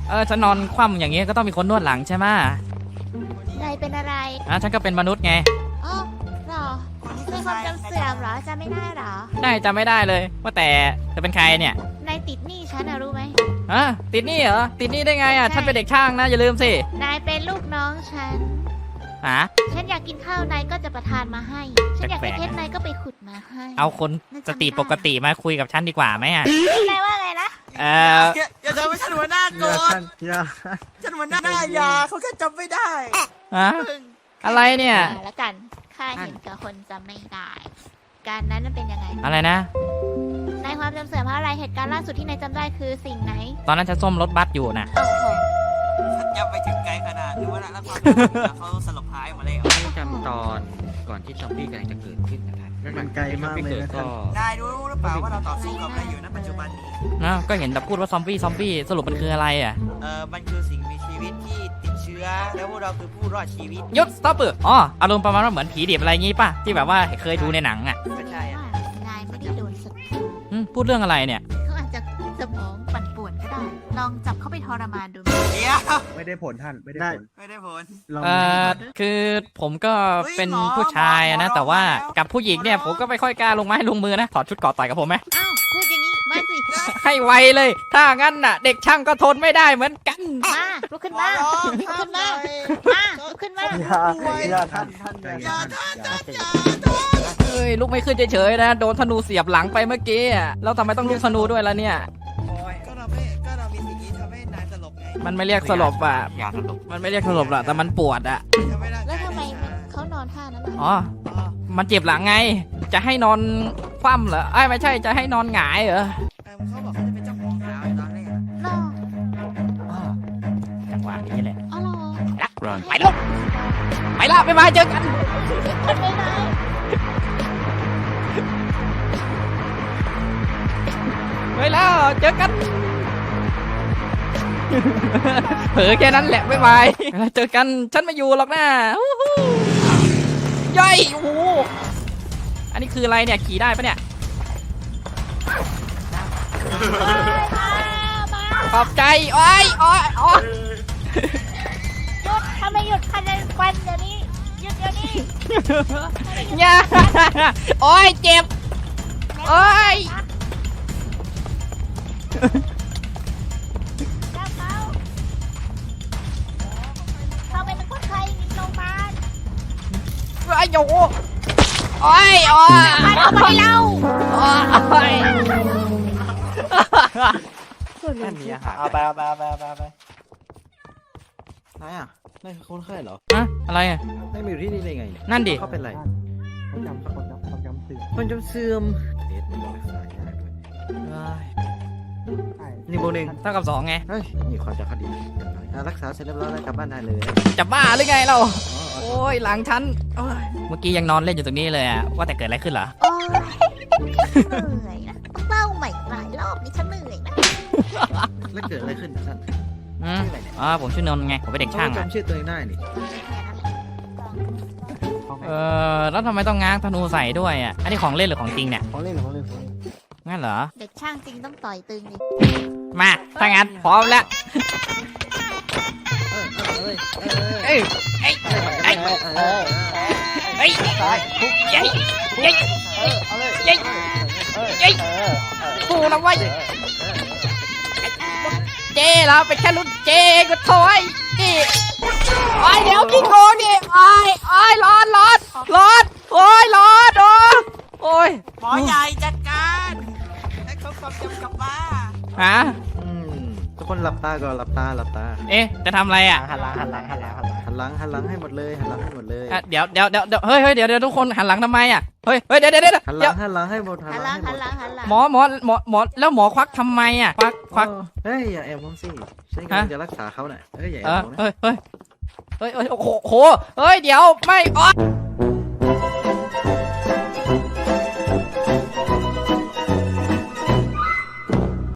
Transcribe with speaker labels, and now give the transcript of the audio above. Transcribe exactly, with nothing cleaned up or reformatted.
Speaker 1: เออฉันนอนคว่ำอย่างเงี้ยก็ต้องมีคนนวดหลังใช่ไหม
Speaker 2: นายเป็นอะไร
Speaker 1: อ่ะฉันก็เป็นมนุษย์ไง
Speaker 2: อ๋อหรอเป็นความจำเสื่อมเหรอจำไม่ได้เหรอ
Speaker 1: ได้จำไม่ได้เลยว่าแต่จะเป็นใครเนี่ย
Speaker 2: นายติดหนี้ฉันนะรู้ไหม
Speaker 1: ฮะติดหนี้เหรอติดหนี้ได้ไงอ่ะฉันเป็นเด็กช่างนะอย่าลืมสิ
Speaker 2: นายเป็นลูกน้องฉัน
Speaker 1: ฮะ
Speaker 2: ฉันอยากกินข้าวนายก็จะประทานมาให้ฉันอยากได้เพชรนายก็ไปขุดมาให้
Speaker 1: เอาคนสติปกติมาคุยกับฉันดีกว่าไหมอ่ะ
Speaker 2: นายว่าไงนะ
Speaker 1: เออ
Speaker 3: อย่าทำให้ฉันหัวหน้าโกรธฉันหัวหน้าหน้ายาเขาแค่จำไม่ได้
Speaker 1: ฮะอะไรเนี่ย
Speaker 2: แล้วกันข้าเห็นกับคนจำไม่ได้การนั้นมันเป็นยังไง
Speaker 1: อะไรนะ
Speaker 2: นายความจำเสื่อมเพราะอะไรเหตุการณ์ล่าสุดที่นายจำได้คือสิ่งไหน
Speaker 1: ตอนนั้นฉันส้มรถบัสอยู่นะ
Speaker 2: โอ้โห
Speaker 3: ฉันจำไปถึงไกลขนาดที่ว่าแล้วความเขาสลบหายมาแล้ว
Speaker 4: ไม่จำตอนก่อนที่ซอมบี้กำลังจะเกิดขึ้นนะครับ
Speaker 5: มันไกลมากเลยนะครับ
Speaker 3: นายรู้หรือเปล่าว่าเราต่อสู้กับอะไรอยู่ณปัจจุบันนี้
Speaker 1: นะก็เห็นแต่พูดว่าซอมบี้ซอมบี้สรุปมันคืออะไรอ่ะ
Speaker 3: เออมันคือสิ่งมีชีวิตที่ติดเชื้อแล้วพวกเราคือผู้รอดชีวิต
Speaker 1: ยุดสต็อปเปอร์อ๋ออารมณ์ประมาณว่าเหมือนผีดิบอะไรงี้ป่ะที่แบบว่าเคยดูในหนังอ่ะ
Speaker 3: ไม่ใช่อ่ะ
Speaker 2: นายไม่ได้โดนสัก
Speaker 1: พูดเรื่องอะไรเนี่ย
Speaker 2: เขาอาจจะสมองปั่นป่วนก็ได้ลองจับเข้าไปทรมานดู
Speaker 3: เดี๋ยว
Speaker 5: ไม่ได้ผลท่านไม่ได้ผล
Speaker 3: ไม่ได้ผล
Speaker 1: เออคือผมก็เป็นผู้ชายนะแต่ว่ากับผู้หญิงเนี่ยผมก็ไม่ค่อยกล้าลงไม้ลงมือนะถอดชุดเกราะต่อยกับผมไหม
Speaker 2: อ้าวพูดอย่างนี้มาสิ
Speaker 1: ให้ไวเลยถ้างั้นน่ะเด็กช่างก็ทนไม่ได้เหมือนกัน
Speaker 2: มาลุกขึ้นมาลุกขึ้นมามาลุกขึ้นมา
Speaker 5: อย่าอย่าท่านท่านอย่าท่าน
Speaker 1: เฮ้ยลุกไม่ขึ้นเฉยๆนะโดนธนูเสียบหลังไปเมื่อกี้แล้วทำไมต้องลุกธนูด้วยล่ะเนี่ย
Speaker 3: ก็เราไม่ก็เรามีสิ่งนี้ทำให้นายสลบไง
Speaker 1: มันไม่เรียกสลบอ่ะมันไม่เรียกสลบหรอกแต่มันปวดอ่ะ
Speaker 2: แล้วทำไมเขานอนท่านั้น
Speaker 1: อ๋อมันเจ็บหลังไงจะให้นอนคว่ำเหรอไอ้ไม่ใช่จะให้นอนหงายเหรอ
Speaker 3: เขาบอกเขาจะเป็นเจ้าของสาวตอนแรก
Speaker 2: รอ
Speaker 1: จังหวะนี้แหละ
Speaker 2: อ๋อรอ
Speaker 1: ไปลูกไปละไปมาเจอกัน
Speaker 2: ไปไหน
Speaker 1: ไปแล้วเจอกันเผลอแค่นั้นแหละบ๊ายบายแล้วเจอกันฉันไม่อยู่หรอกนะย่อยโอ้โหอันนี้คืออะไรเนี่ยขี่ได้ปะเนี่ยขอบใจโอ้ยโอ้ยโอ้ย
Speaker 2: หยุดทำไมหยุดคันเลยควันเดี๋ยวนี้หยุดเดี๋ยวนี้
Speaker 1: เนี่ยโอ้ยเจ็บโอ้ย
Speaker 2: เขาเป็นคนไข้โรงพยาบาล
Speaker 1: ไอ้โยโอ้ยโอ้ย
Speaker 2: ไปเอาไปเล่า
Speaker 1: โอ้ย
Speaker 5: นั่นนี่อะเอาไปเอาไปเอาไปเอาไปเอาไปนายอ่ะนายคนไข้เหรอ
Speaker 1: ฮะอะไรอ่ะ
Speaker 5: นายมาอยู่ที่นี่ได้ไง
Speaker 1: นั่นดิ
Speaker 5: เขาเป็นไรคนจำคนจำคนจำเสื่อมคนจำเสื่อมเด็ดนี่รักษายากด้วยนี่โมหนึ่ง
Speaker 1: เท่ากับสองไง
Speaker 5: เฮ้ยนี่ความจะคดีรักษาเสร็จเรียบร้อยแล้วกลับบ้านได้เลย
Speaker 1: จะบ้าหรือไงเราโอ้ยหลังฉันเมื่อกี้ยังนอนเล่นอยู่ตรงนี้เลยอะว่าแต่เกิดอะไรขึ้นเหรอ
Speaker 2: โอ้ยเหนื่อยนะต้องเล่าใหม่หลายรอบนี่ฉันเหนื่อยนะ
Speaker 5: แล้วเกิดอะไรขึ้นท่าน
Speaker 1: อืมอ๋อผมชื่อนนท์ไงผมเป็นเด็กช่าง
Speaker 5: จำชื่อตัวเองได้นี่
Speaker 1: เออแล้วทำไมต้องง้างธนูใส่ด้วยอ่ะอันนี้ของเล่นหรือของจริงเนี่ย
Speaker 5: ของเล่นของเล่น
Speaker 1: งั้นเหรอ
Speaker 2: เด็กช่างจริงต้องต่อยตึงดิ
Speaker 1: มาถ้างั้นพร้อมแล้วเอ้ยเอ้ยเอ้ยเอ้ยยัยยัยยัยยัยกูนะเว้ยเจ้เราเป็นแค่รุ่นเจ้ก็ถอยนี่ไอ้เดี๋ยวกินโคนี่ไอ้ไอ้ร้อนร้อนร้อนโอ้ยร้อนโอ้โอ้ย
Speaker 3: หมอใหญ่จัดการให้เขาความจำกลับมา
Speaker 1: ฮะ
Speaker 5: ทุกคนหลับตาก่อนหลับตาหลับตา
Speaker 1: เอ๊ะจะทำอะไรอ่ะ
Speaker 5: หันหลังหันหลังหันหลังหันหลังหันหลังให้หมดเลยหันหลังให้หมดเลย
Speaker 1: เดี๋ยวเดี๋ยวเดี๋ยวเฮ้ยเฮ้ยเดี๋ยวเดี๋ยวทุกคนหันหลังทำไมอ่ะเฮ้ยเฮ้ยเดี๋ยวเดี๋ยวเดี๋ยว
Speaker 5: หันหลังหันหลังให้หมด
Speaker 2: หันหลังหันหลังหันหลัง
Speaker 1: หมอหมอหมอหมอแล้วหมอควักทำไมอ่ะควักควัก
Speaker 5: เฮ้ยอย่าแอบมองสิฉันกำลังจะรักษาเขาหน่อยเฮ้ยอย่าแอบมองนะ
Speaker 1: เฮ้ยเฮ้ยเฮ้ยเฮ้ยโอ้โหเฮ้ยเดี๋ยวไม่อ๋อ